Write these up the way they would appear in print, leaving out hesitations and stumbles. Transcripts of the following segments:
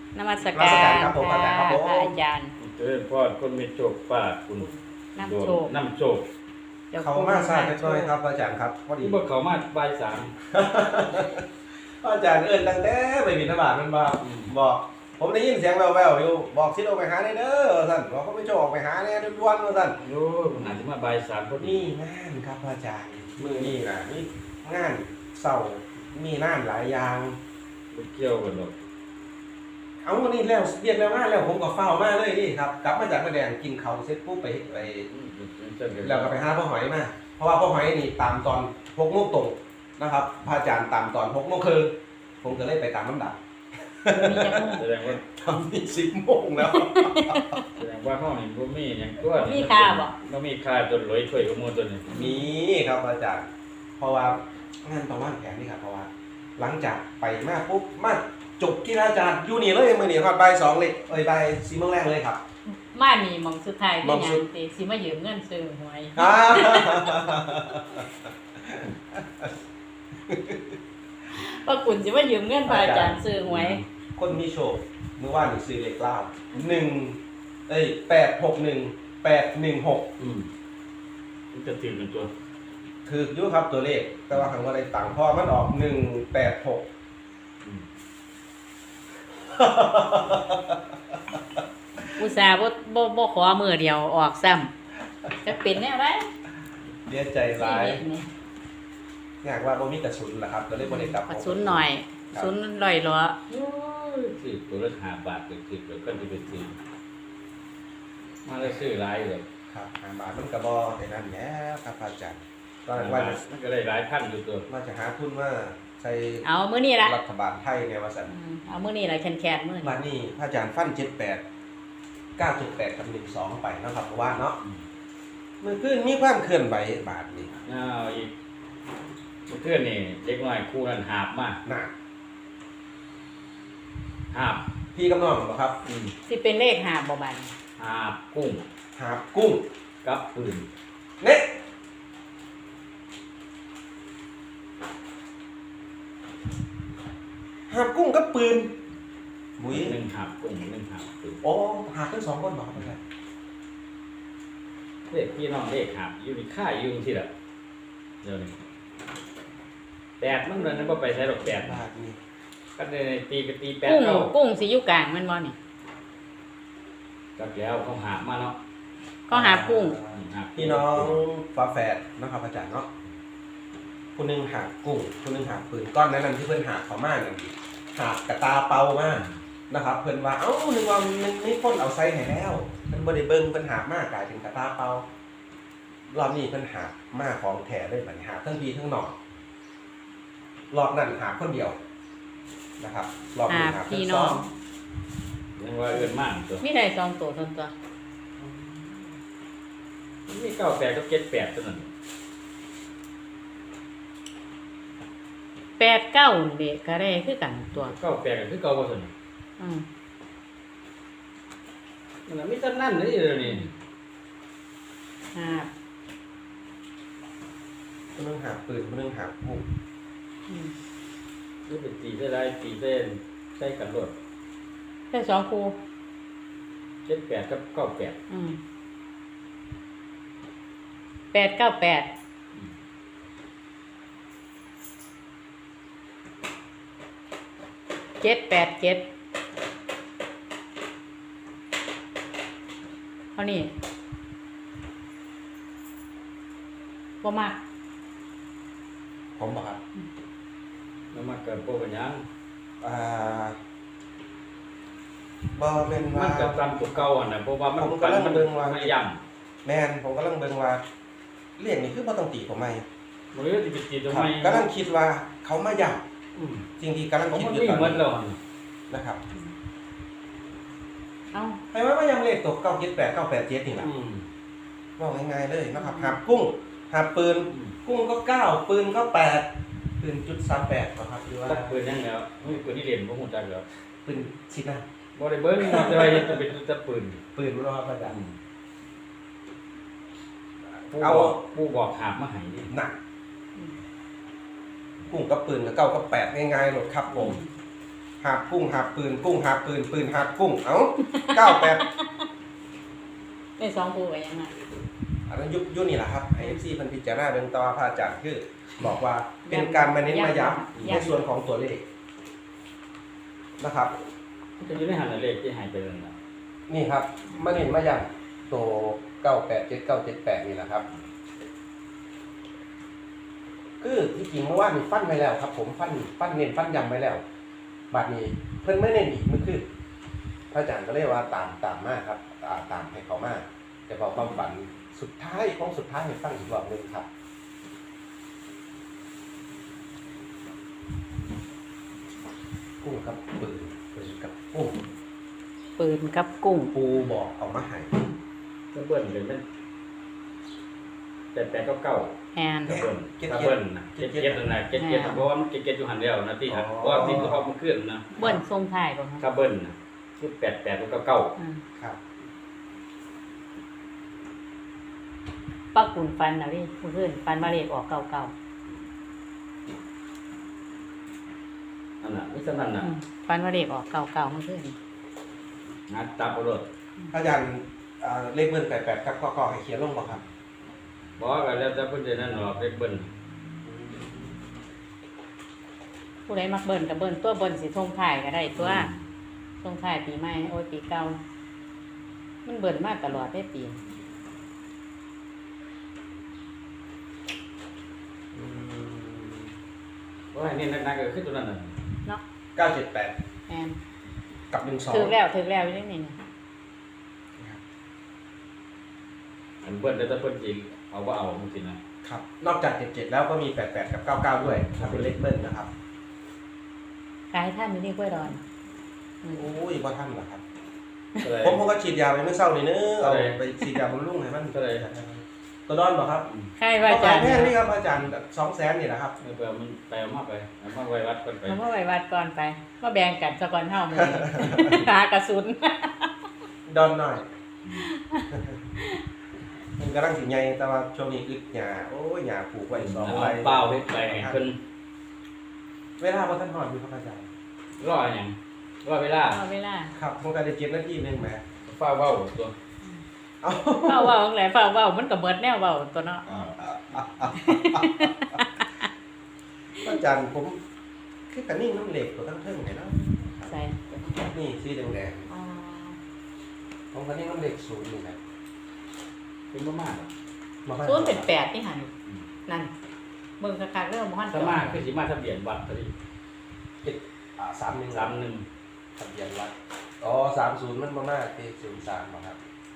นมัสการครับผมอาจารย์ครับผมพระอาจารย์เจริญพรคนมีโชคป้าคุณน้ำโชคน้ำโชคเขามาทราบน้อยครับอาจารย์ครับพอดีที่บอกเขามาบ่ายสามอาจารย์เอิ้นตั้งแต่ไปบิณฑบาตมันบอกผมได้ยินเสียงแว่วๆอยู่บอกสิออกไปหาได้เด้อท่านบอกเขาไม่ชอบออกไปหาเนี่ยด่วนๆท่านโอ้ยผมอาจจะมาบ่ายสามพอดีนี่งานครับอาจารย์มือนี่นะนี่งานเศร้ามีงานหลายอย่างบ่เกี่ยวกันหรอกเอาวันนี้แล้วเรียกแล้วงานแล้วผมก็เฝ้ามาเลยนี่ครับกลับมาจากแม่แดงกินข้าวเสร็จปุ๊บไปแล้วก็ไปหาพ่อหอยมาเพราะว่าพ่อหอยนี่ตามตอน6 โมงตรงนะครับพระอาจารย์ตามตอน6 โมงครึ่งผมก็เลยไปตามลำดับแสดงว่าทำนี่10 โมงแล้วแสดงว่าห้องนี้บ่มีหยังตัวมีค่าบ่บ่มีค่าจนรวยช่วยกับหมู่ตัวนี้มีครับอาจารย์ เพราะว่างานประมาณแผนนี่ครับเพราะว่า หลังจากไปมาปุ๊บมาจบที่อาจารย์อยู่นี่เลยมือนี่ครับบ่าย 2เลยบ่าย 4 โมงแรกเลยครับมานี่หมองสุดท้ายหม้เป็อน งหยัสุงดติสิมายืมเงินซื้อหวยอ่าว่าคุณสิมายืมเงินพระอาจารย์ซื้อหวยคนมีโชคเมื่อวานนี่ซื้อเลขเล่า861 มันจะถึงเป็นตัวถืออยู่ครับตัวเลข แต่ว่าครั้งว่าได้ตังค์เพราะมันออก186 อืมอุตส่าห์บ่ขอมือเดียวออกซ้ำจะเป็นแนวไดเดียใจร้ายอยากว่าบ่มีกระสุนล่ะครับก็เลยบ่ได้กลับกระสุนหน่อยกระสุนลอยล้อโอ้ยซื้อตัวละ5 บาทก็คือเดี๋ยวก็จะไปซื้อมาแล้วซื้อหลายเลยครับ5 บาทมันก็บ่ได้นั่นแหล้วครับอาจารย์ตอน 5 นั้นว่าบาทมันก็ได้หลายพันอยู่ตัวจะหาทุนว่าใช้เอามื้อนี้ล่ะรัฐบาลไทยเนี่ยว่าซั่นเอามื้อนี้ล่ะแคนๆมื้อบันี้ดนี้พระอาจารย์ฟัน78 9.8กับ12ไปเนาะครับเพราะว่าเนาะมันคือมีความเคลื่อนไหวบาทนี้อ้าวอีกเพื่อนนี่เด็กน้อยคู่นั้นหาบมากน่ะหาบพี่กับน้องบ่ครับสิเป็นเลขหาบ่บัดนี้หาบกุ้งหากุ้งกับปืนเน็ตหากุ้งกับปืนบุ้ยหนึ่งหาบกุ้งหนึ่งหาบปืนโอ้หาทั้ง2คนบ่ครับอาจารย์เด็กพี่น้องเด็กหาบอยู่ในค่ายอยู่ที่ละเดี๋ยวนี้แปดมันเลยนั่นก็ไปใช้ดอกแปดบาทนี้ก็เลยตีก็ตีแปดกุ้งเข้ากุ้งสิอยู่กลางแม่นบ่นี่จักแล้วเขาหาบมาเนาะก็หากุ้งหาบพี่น้องฝาแฝดนะครับอาจารย์เนาะคนหนึงหากุ้งคนหนึงหาปืนก้อนนั้นที่เพิ่นหาเขามานั่นหากระตาเปามานะครับ เพิ่นว่าเอ้านึกว่ามันมีคนเอาใส่ให้แล้วเพิ่นบ่ได้เบิ่งเพิ่นหามากลายเป็นกระตาเปารอบนี้เพิ่นหามาของแท้เลยบัดนี้หาทั้งพี่ทั้งน้องรอบนั้นหาคนเดียวนะครับรอบนี้หาพี่ทั้งน้สออง งยังว่าเอื้อนมากตัวมีได้2ตัวเท่านั้นตัวนี่เก้าแปดก็เจ็ดแปดตัวนั้น 8 9นี่ก็ได้คือกันตัวเก้าแปดก็คือเก้าบ่ตัวนี้อืมมันนะมีแต่นั่นนี่เดี๋ยวนี้หาคนหนึงหาปืนคนหนึงหากุ้งอืมนี่เป็นตีได้ไรตีเส้นใช้กันรวดได้2คู่เจ็ดแปดกับเก้าแปดอืม898787เท่านี้บ่มากผมบอกครับแล้วมาเกิดโปรกันยังอ่าบอเป็นมัว่านกับตามตัวเก่าอ่ะนะเพราะว่ามันผมกำลังเบิ่งว่าไม่ย่แมนผมกำลังเบิ่งว่าเรียกนี่คือบ่ต้องตีผมไหมำมันเลยจะไปตีตรงครับไหนกำลังคิดว่าเขามาย่อืมำจริงๆกำลังผมคิดมันอยู่ไม่ตอนเหมือนนี้เรานะครับเอ้าใครว่ามาย่ำเลขตก978 987นี่แหละอืมว่าง่ายๆเลยนะครับหาบกุ้งหาบปืนอืมกุ้งก็9ปืนก็8ปืนจุด38นะครับหรือว่าตักปืนยังแล้วไม่ปืนที่เรียนผมหูจักแล้วปืนชิดนะบ่ได้เบิ้งมันจะไปเห็นจะเป็นตัปืนปืนรอประดับผู้บอกหาบมาให้นี่หนักกุ้งกับปืนกับ9กับ8ง่ายๆหมดครับผมหาบกุ้งหาบปืนกุ้งหาบปืนปืนหาบกุ้งเอ้า98 ได้สองคู่กันยังไงอันนั้นยุคนี่แหละครับไอเอฟซีเพิ่นพิจารณาเบิ่งต่อพระอาจารย์คือ บอกว่าเป็นการมาเน้นมาย้ำในส่วนของตัวเลขนะครับจะอยู่ในหันเลขที่หายไปนั่นน่ะนี่ครับมาเน้นมาย้ำตัว987978นี่แหละครับ คือที่จริงเมื่อวานนี่ฟันไปแล้วครับ ผมฟันเน้นฟันย้ำไปแล้วบัดนี้เพิ่นไม่เน้นอีกมันคือพระอาจารย์ก็เลยว่าตามมาครับตามให้เขามาแต่พอความฝันสุดท้ายของสุดท้ายให้ฟังอีกรอบหนึงครับกุ้งกับปืนกับกุ้งปืนกับกุ้งปูบอกเอามาให้ก็เบิ้ลเป็นเป็น8 9 แอนก็เบิ้ลก็เบิ้ลนะเก็ดนั่นน่ะเก็ดเพราะว่ามันเก็ดอยู่หันเดียวนะที่หันเพราะว่าที่เขามันขึ้นนะเบิ้ลทรงถ่ายบ่ครับก็เบิ้ลนะคือ8 กับ9 อืมครับปักกุนฟันนะพี่เพื่อนฟันมาเลขออกเก่านั่นน่ะนี่สนั่นๆน่ะฟันมาเลขออกเก่าๆเพื่อนงานตับเอารถอาจารย์เลขเบิ้ล88ครับก็ให้เขียนลงบ่ครับบอกว่าแล้วแต่เพิ่นจะนั่นหรอกเลขเบิ้ลผู้ใดมักเบิ้ลกับเบิ้ลตัวเบิ้ลสิทรงถ่ายก็ได้ตัวทรงถ่ายปีใหม่โอ้ยปีเก่ามันเบิ้ลมาตลอดได้ปีว่านี่นักๆก็คือตัวนั้นน่ะเนาะ 978 แอนกับถึก 12 แล้วอยู่ได้นี่นะอันเบิ้ลแล้วแต่เพิ่นสิเอาบ่เอาจังซี่นะครับนอกจาก77แล้วก็มี88กับ99ด้วยถ้าเป็นเลขเบิ้ลนะครับกายท่านมีนี่กล้วยดอนอืมโอ้ยบ่ทันเหรอครับก็เลยผมก็ฉีดยาไปเมื่อเช้านี่เนึเอาไปฉีดยาบำรุงให้มันก็เลยตัวดอนบ่ครับใช่ว่าอาจารย์แพงนี่ครับอาจารย์200,000นี่แหละครับเพื่อมันไปเอามาไว้วัดก่อนไปเราเมื่อไหร่วัดก่อนไปมาแบ่งกันสะก่อนเท่ามือ หากระสุนดอนหน่อย มันกำลังสิใหญ่แต่ว่าช่วงนี้อึดหญ้าโอ้ยหญ้าปลูกไว้2 เอาไร่เปล่าเฮ็ดไปให้เพิ่นเวลาบ่ทันฮอดอยู่ครับอาจารย์รอหยังรอเวลาเอาเวลาครับผมก็ได้7นาทีนึงแหมฟ้าเว้าตัวเอ้าเฝ้าเว้าแหละเฝ้าเว้ามันก็เบิดแนวเว้าตัวเนาะอาจารย์ผมคือกันนิ่งน้ำเหล็กตัวทั้งเทิงเนี่ยเนาะใส่นี่สีแดงอ๋อๆผมกันนิ่งน้ำเหล็กศูนย์นี่นะเป็นบ่มากศูนย์เป็น8นี่หั่นนั่นเบิ่งคักๆเด้อบ่ฮั่นถ้ามาคือสิมาทะเบียนวัดพอดี 31 31 ทะเบียนวัดอ๋อ30มันบ่มากที่03บ่ครับ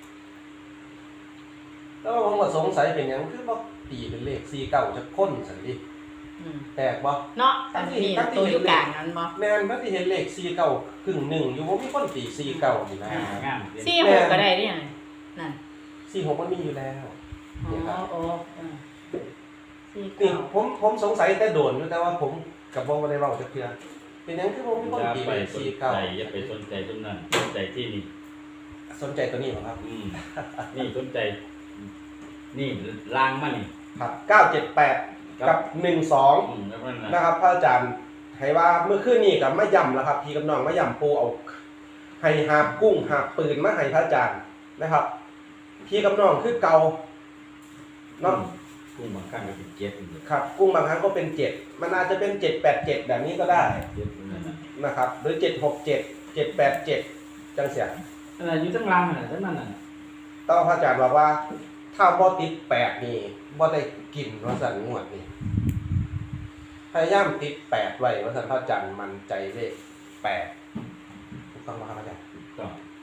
แล้วผมก็สงสัยเป็นหยังคือบ่ตีเป็นเลข49จะค้นซั่นดิอืมแปลกบ่เนาะอันนี้ตัวอยู่กลางนั้นบ่แม่นบ่ที่เห็นเลข49ครึ่งหนึ่งอยู่บ่มีคนตี49นี่นะงาม 46ก็ได้นี่หั่นนั่น 46มันมีอยู่แล้วอ๋อโอ้สี่นี่เก้าผมสงสัยแต่โดนอยู่แต่ว่าผมกับบ่ได้เว้าจักเทื่อเป็นหยังคือบ่มีคนอย่าตีไปเป็นสนใจอย่าไปสนใจตรงนั้นสนใจที่นี่สนใจตัวนี้บ่ครับนี่สนใจ นี่ล้างมานี่ครับ978กับ12 แล้วนั่นนะครับพระอาจารย์ให้ว่าเมื่อคืนนี้ก็มาย่ำแล้วครับพี่กับน้องมาย่ำปูเอาให้หาบกุ้งหาบปืนมาให้พระอาจารย์นะครับพี่กับน้องคือเก่าเนาะกุ้งบางครั้งก็เป็นเจ็ดอยู่ครับกุ้งบางครั้งก็เป็น7มันอาจจะเป็น787แบบนี้ก็ได้เจ็ดนั่นน่ะนะครับหรือ767 787จังเสียนั่นน่ะอยู่ทั้งล่างน่ะทั้งนั้นน่ะแต่ว่าพระอาจารย์บอกว่าถ้าบ่ติด8นี่บ่ได้กินว่าสั่นงวดนี่พยายามติด8ไว้ว่าสั่นพระอาจารย์มันใจเลข8ถูกต้องไหมครับอาจารย์ก็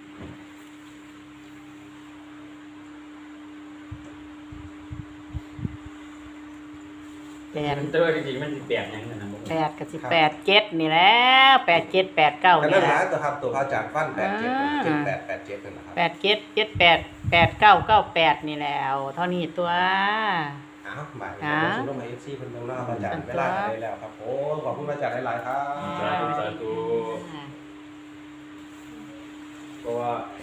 แปดแต่ว่าจริงๆมันสิแปดอย่างนั้นนะบ่ 8กับ18 7นี่แหล้ว87 89 ก็นี่นั่นแหแหละละตัวครับตัวพระอาจารย์ฟัน87 78 87นั่นแหละครับ 87 78 89 98นี่แหล้วเท่านี้ตัวอ้าวหมายถึงว่าชุดลงมา FC เพิ่นเบิ่งเนาะครับอาจารย์เวลาก็ได้แล้วครับโอ้ขอบคุณพระอาจารย์หลายๆครับสาธุเพราะว่า